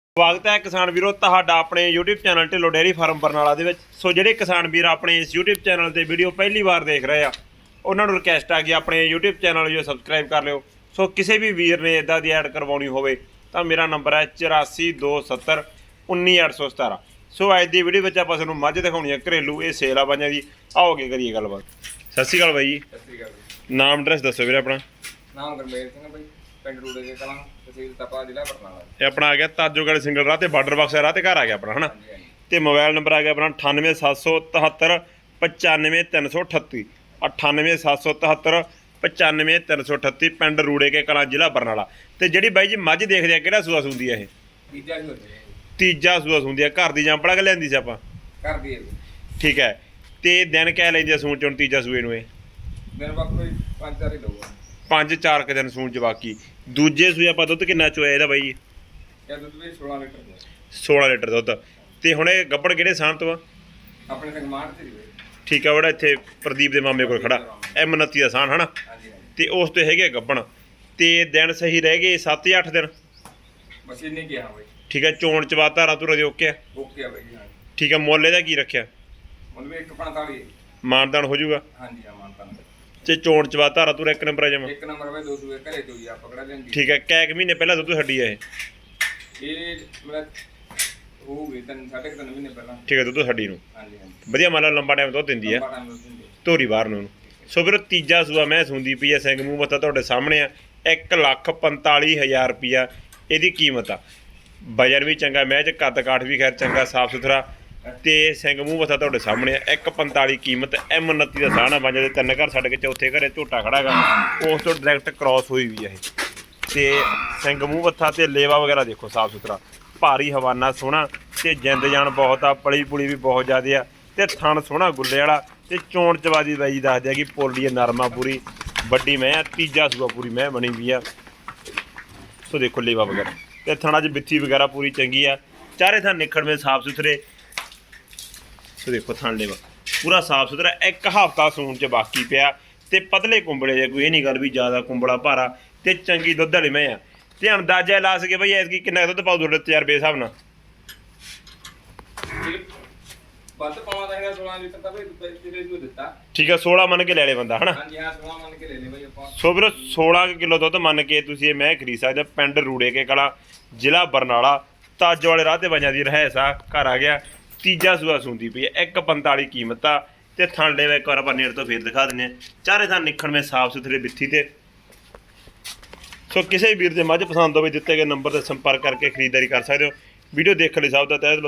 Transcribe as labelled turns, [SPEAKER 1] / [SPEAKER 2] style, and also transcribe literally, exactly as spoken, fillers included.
[SPEAKER 1] ਸਵਾਗਤ ਹੈ ਕਿਸਾਨ ਵੀਰੋ ਤੁਹਾਡਾ ਆਪਣੇ YouTube channel Dhillon dairy farm Barnala ਦੇ ਵਿੱਚ। ਸੋ ਜਿਹੜੇ ਕਿਸਾਨ ਵੀਰ ਆਪਣੇ ਇਸ YouTube ਚੈਨਲ ਤੇ ਵੀਡੀਓ ਪਹਿਲੀ ਵਾਰ ਦੇਖ ਰਹੇ ਆ ਉਹਨਾਂ ਨੂੰ ਰਿਕਵੈਸਟ ਆ ਕਿ ਆਪਣੇ YouTube ਚੈਨਲ ਨੂੰ ਸਬਸਕ੍ਰਾਈਬ ਕਰ ਲਿਓ। ਸੋ ਕਿਸੇ ਵੀ ਵੀਰ ਨੇ ਇਦਾਂ ਦੀ ਐਡ ਕਰਵਾਉਣੀ ਹੋਵੇ ਤਾਂ ਮੇਰਾ ਨੰਬਰ ਹੈ ਚੁਰਾਸੀ ਦੋ ਸੱਤਰ ਉੱਨੀ ਅੱਠ ਸੌ ਸਤਾਰਾਂ। ਸੋ ਅੱਜ ਦੀ ਵੀਡੀਓ ਵਿੱਚ ਆਪਾਂ ਤੁਹਾਨੂੰ ਮੱਝ ਦਿਖਾਉਣੀ ਹੈ ਘਰੇਲੂ, ਇਹ ਸੇਲ ਆ ਬਾਈਆਂ ਦੀ। ਆਓਗੇ ਕਰੀਏ ਗੱਲਬਾਤ। ਸਤਿ ਸ਼੍ਰੀ ਅਕਾਲ ਬਾਈ ਜੀ।
[SPEAKER 2] ਸਤਿ ਸ਼੍ਰੀ ਅਕਾਲ ਜੀ।
[SPEAKER 1] ਨਾਮ ਐਡਰੈਸ ਦੱਸੋ ਵੀਰੇ ਆਪਣਾ।
[SPEAKER 2] ਨਾਮ ਗੁਰਮੇਲ ਸਿੰਘ ਹੈ ਬਾਈ, ਪਿੰਡ ਰੂੜੇ ਕੇ ਕਲਾਂ, ਤਹਿਸੀਲ ਤਪਾ, ਜ਼ਿਲ੍ਹਾ ਬਰਨਾਲਾ।
[SPEAKER 1] ਇਹ ਆਪਣਾ ਆ ਗਿਆ ਤਾਜੋਗੜ੍ਹ ਸਿੰਗਲ ਰਾਹ ਤੇ ਬਾਰਡਰ ਬਾਕਸ ਰਾਹ ਤੇ ਘਰ ਆ ਗਿਆ ਆਪਣਾ, ਹਨਾ।
[SPEAKER 2] ਹਾਂਜੀ ਹਾਂਜੀ।
[SPEAKER 1] ਤੇ ਮੋਬਾਈਲ ਨੰਬਰ ਆ ਗਿਆ ਆਪਣਾ ਅਠਾਨਵੇਂ ਸੱਤ ਸੌ ਤਿਹੱਤਰ ਪਚਾਨਵੇਂ ਤਿੰਨ ਸੌ ਅਠੱਤੀ ਅਠਾਨਵੇਂ ਸੱਤ ਸੌ ਤਿਹੱਤਰ ਪਚਾਨਵੇਂ ਤਿੰਨ ਸੌ ਅਠੱਤੀ, ਪਿੰਡ ਰੂੜੇ ਕੇ ਕਲਾਂ, ਜ਼ਿਲ੍ਹਾ ਬਰਨਾਲਾ। ਤੇ ਜਿਹੜੀ ਬਾਈ ਜੀ ਮੱਝ ਦੇਖਦੇ ਆ ਕਿਹੜਾ ਸੂਆ ਸੁੰਦੀ ਆ ਇਹ?
[SPEAKER 2] ਤੀਜਾ ਹੀ ਹੋ ਜਾਏ
[SPEAKER 1] ਤੀਜਾ ਸੂਆ ਸੁੰਦੀ ਆ। ਘਰ ਦੀ ਜਾਂਪੜਾ ਕੇ ਲਿਆਂਦੀ ਸੀ ਆਪਾਂ?
[SPEAKER 2] ਕਰ ਦਈਏ।
[SPEAKER 1] ਠੀਕ ਹੈ। ਤੇ ਦਿਨ ਕਹਿ ਲੈਂਦੀ ਆ ਸੂਣ ਚੋਂ ਤੀਜਾ ਸੂਏ ਨੂੰ? ਇਹ
[SPEAKER 2] ਦਿਨ ਬਾਅਦ ਕੋਈ ਪੰਜ ਚਾਰ ਹੀ ਲਊਗਾ।
[SPEAKER 1] ਪੰਜ ਚਾਰ ਕੁ ਦਿਨ ਸੂਣ ਚ। ਬਾਕੀ ਦੂਜੇ ਸੂਏ ਆਪਾਂ ਦੁੱਧ ਕਿੰਨਾ ਚੋਇਆ ਇਹਦਾ ਬਾਈ ਜੀ?
[SPEAKER 2] ਇਹ ਦੁੱਧ ਵੀ ਸੋਲਾਂ ਲੀਟਰ ਦਾ।
[SPEAKER 1] ਸੋਲਾਂ ਲੀਟਰ ਦੁੱਧ। ਤੇ ਹੁਣ ਇਹ ਗੱਬੜ ਕਿਹੜੇ ਸਾਂਭ ਤੋਂ ਆ?
[SPEAKER 2] ਆਪਣੇ ਤੱਕ ਮਾਰ ਤੇ ਜੀ ਬਾਈ।
[SPEAKER 1] ਠੀਕ ਆ, ਬੜਾ ਇੱਥੇ ਪ੍ਰਦੀਪ ਦੇ ਮਾਮੇ ਕੋਲ ਖੜਾ ਐਮ ਉਨੱਤੀ ਦਾ ਸਾਨ, ਹਨਾ।
[SPEAKER 2] ਹਾਂਜੀ ਹਾਂਜੀ।
[SPEAKER 1] ਤੇ ਉਸ ਤੇ ਹੈਗੇ ਗੱਬਣ। ਤੇ ਦਿਨ ਸਹੀ ਰਹਿ ਗਏ ਸੱਤ ਜਾਂ ਅੱਠ ਦਿਨ?
[SPEAKER 2] ਬਸ ਇੰਨੇ ਕਿਹਾ ਬਾਈ।
[SPEAKER 1] ਠੀਕ ਹੈ। ਚੋਣ ਚਵਾ ਧਾਰਾ ਧੁਰਾ ਦੇ ਓਕੇ ਆ?
[SPEAKER 2] ਓਕੇ ਆ ਬਾਈ ਜੀ। ਹਾਂਜੀ।
[SPEAKER 1] ਠੀਕ ਹੈ। ਮੁੱਲ ਇਹਦਾ ਕੀ ਰੱਖਿਆ?
[SPEAKER 2] ਮੁੱਲ ਵੀ ਇੱਕ ਪੰਤਾਲੀ।
[SPEAKER 1] ਮਾਨਦਾਨ ਹੋ ਜਾਊਗਾ?
[SPEAKER 2] ਹਾਂਜੀ ਹਾਂ, ਮਾਨਤਾਨ।
[SPEAKER 1] ਤੇ ਚੋਣ ਚਵਾ ਧਾਰਾ ਧੁਰਾ ਇੱਕ ਨੰਬਰ ਆ ਜਮਾ?
[SPEAKER 2] ਇੱਕ ਨੰਬਰ ਬਾਈ, ਦੋ ਸੂਏ ਘਰੇ ਤੋਂ ਜੀ ਆ ਪਕੜਾ ਲੈਂਦੀ।
[SPEAKER 1] ਠੀਕ ਹੈ। ਕੈ ਕੁ ਮਹੀਨੇ ਪਹਿਲਾਂ ਦੁੱਧ ਛੱਡੀ ਆ ਇਹ?
[SPEAKER 2] ਇਹ ਮਤਲਬ ਹੋਊਗੀ ਤਿੰਨ ਸਾਢੇ ਕੁ ਤਿੰਨ ਮਹੀਨੇ ਪਹਿਲਾਂ।
[SPEAKER 1] ਠੀਕ ਹੈ। ਦੁੱਧ ਛੱਡੀ ਨੂੰ
[SPEAKER 2] ਹਾਂਜੀ ਹਾਂਜੀ।
[SPEAKER 1] ਵਧੀਆ ਮੰਨ ਲਾ ਲੰਬਾ ਟਾਈਮ ਦੁੱਧ ਦਿੰਦੀ ਆ,
[SPEAKER 2] ਲੰਬਾ ਟਾਈਮ ਦੁੱਧ ਦਿੰਦੀ।
[SPEAKER 1] ਧੋਰੀ ਬਾਹਰ ਨੂੰ। ਸੋ ਫਿਰ ਤੀਜਾ ਸੂਆ ਮੈਂ ਸੁਣਦੀ ਪਈ ਆ, ਸਿੰਘ ਮੂੰਹ ਮੱਥਾ ਤੁਹਾਡੇ ਸਾਹਮਣੇ ਆ। ਇੱਕ ਲੱਖ ਪੰਤਾਲੀ ਹਜ਼ਾਰ ਰੁਪਈਆ ਇਹਦੀ ਕੀਮਤ ਆ। ਵਜਨ ਵੀ ਚੰਗਾ, ਮੈਂ ਚ ਕੱਦ ਕਾਠ ਵੀ ਖੈਰ ਚੰਗਾ, ਸਾਫ ਸੁਥਰਾ। ਤੇ ਸਿੰਘ ਮੂੰਹ ਮੱਥਾ ਤੁਹਾਡੇ ਸਾਹਮਣੇ ਆ। ਇੱਕ ਪੰਤਾਲੀ ਕੀਮਤ। ਐਮ ਉਨੱਤੀ ਦਾ ਸਾਹਣਾ ਬਣ ਦੇ ਤਿੰਨ ਘਰ ਛੱਡ ਕੇ ਚੌਥੇ ਘਰੇ ਝੋਟਾ ਖੜਾ ਗਾ, ਉਸ ਤੋਂ ਡਾਇਰੈਕਟ ਕ੍ਰਾਸ ਹੋਈ ਵੀ ਆ ਇਹ। ਤੇ ਸਿੰਘ ਮੂੰਹ ਮੱਥਾ ਤੇ ਲੇਵਾ ਵਗੈਰਾ ਦੇਖੋ, ਸਾਫ ਸੁਥਰਾ, ਭਾਰੀ ਹਵਾਨਾ ਸੋਹਣਾ। ਤੇ ਜਿੰਦ ਜਾਨ ਬਹੁਤ ਆ, ਪਲੀ ਪੁਲੀ ਵੀ ਬਹੁਤ ਜ਼ਿਆਦਾ ਆ। ਤੇ ਥਣ ਸੋਹਣਾ ਗੁੱਲੇ ਵਾਲਾ। ਤੇ ਚੋਣ ਚਵਾਦੀ ਬਾਈ ਜੀ ਦੱਸਦੇ ਆ ਕਿ ਪੋਲੀ ਨਰਮਾ ਪੂਰੀ ਵੱਡੀ ਮੈਂ ਆ। ਤੀਜਾ ਸੂਆ ਪੂਰੀ ਮੈਂ ਬਣੀ ਵੀ ਆ। ਸੋ ਦੇਖੋ ਲੇਵਾ ਵਗੈਰਾ ਤੇ ਥਣਾ 'ਚ ਬਿੱਥੀ ਵਗੈਰਾ ਪੂਰੀ ਚੰਗੀ ਆ। ਚਾਰੇ ਥਾਂ ਨਿਖੜਵੇਂ ਸਾਫ ਸੁਥਰੇ। ਸੋ ਦੇਖੋ ਥਣ ਲੇਵਾ ਪੂਰਾ ਸਾਫ ਸੁਥਰਾ। ਇੱਕ ਹਫ਼ਤਾ ਸੂਣ 'ਚ ਬਾਕੀ ਪਿਆ। ਤੇ ਪਤਲੇ ਕੁੰਬਲੇ ਜੇ, ਕੋਈ ਇਹ ਨਹੀਂ ਗੱਲ ਵੀ ਜ਼ਿਆਦਾ ਕੁੰਬਲਾ ਭਾਰਾ। ਤੇ ਚੰਗੀ ਦੁੱਧ ਵਾਲੀ ਮੈਂ ਆ। ਤੇ ਅੰਦਾਜ਼ਾ ਲਾ ਸਕੇ ਬਈ ਐਤਕੀ ਕਿੰਨਾ ਦੁੱਧ ਪਾਉ ਤੁਹਾਡੇ ਤਜਰਬੇ ਹਿਸਾਬ ਨਾਲ?
[SPEAKER 2] ਵੱਧ ਪਾਵਾਂ ਹੈਗਾ ਸੋਲਾਂ ਲੀਟਰ ਤਾਂ ਬਈ ਤੇਰੇ ਨੂੰ ਦਿੱਤਾ।
[SPEAKER 1] ਠੀਕ ਹੈ। ਸੋਲਾਂ ਮੰਨ ਕੇ ਲੈ ਲੈ ਬੰਦਾ, ਹਨਾ।
[SPEAKER 2] ਹਾਂਜੀ ਹਾਂ, ਸੋਲਾਂ ਮੰਨ ਕੇ ਲੈ ਲੈ ਬਈ ਆਪਾਂ।
[SPEAKER 1] ਸੋ ਵੀਰੋ ਸੋਲਾਂ ਕਿਲੋ ਦੁੱਧ ਮੰਨ ਕੇ ਤੁਸੀਂ ਇਹ ਮੈਂ ਖਰੀਦ ਸਕਦੇ। ਪਿੰਡ ਰੂੜੇ ਕੇ ਕਲਾਂ, ਜ਼ਿਲ੍ਹਾ ਬਰਨਾਲਾ, ਤਾਜੋ ਵਾਲੇ ਰਾਹ ਤੇ ਬਾਈਆਂ ਦੀ ਰਹਿਸ ਆ। ਘਰ ਆ ਗਿਆ। ਤੀਜਾ ਸੂਆ ਸੁੰਦੀ ਪਈ ਹੈ। ਇੱਕ ਪੰਤਾਲੀ ਕੀਮਤ ਆ। ਤੇ ਥਣ ਲੈ ਇੱਕ ਵਾਰ ਆਪਾਂ ਨੇੜ ਤੋਂ ਫੇਰ ਦਿਖਾ ਦਿੰਦੇ ਹਾਂ। ਚਾਰੇ ਥਾਂ ਨਿਖੜਵੇਂ ਸਾਫ ਸੁਥਰੇ ਬਿੱਥੀ ਤੇ। ਸੋ ਕਿਸੇ ਵੀਰ ਦੇ ਮੱਝ ਪਸੰਦ ਹੋਵੇ ਦਿੱਤੇ ਗਏ ਨੰਬਰ ਤੇ ਸੰਪਰਕ ਕਰਕੇ ਖਰੀਦਦਾਰੀ ਕਰ ਸਕਦੇ ਹੋ। ਵੀਡੀਓ ਦੇਖਣ ਲਈ ਸਭ ਦਾ ਤਹਿ ਦਿਲੋਂ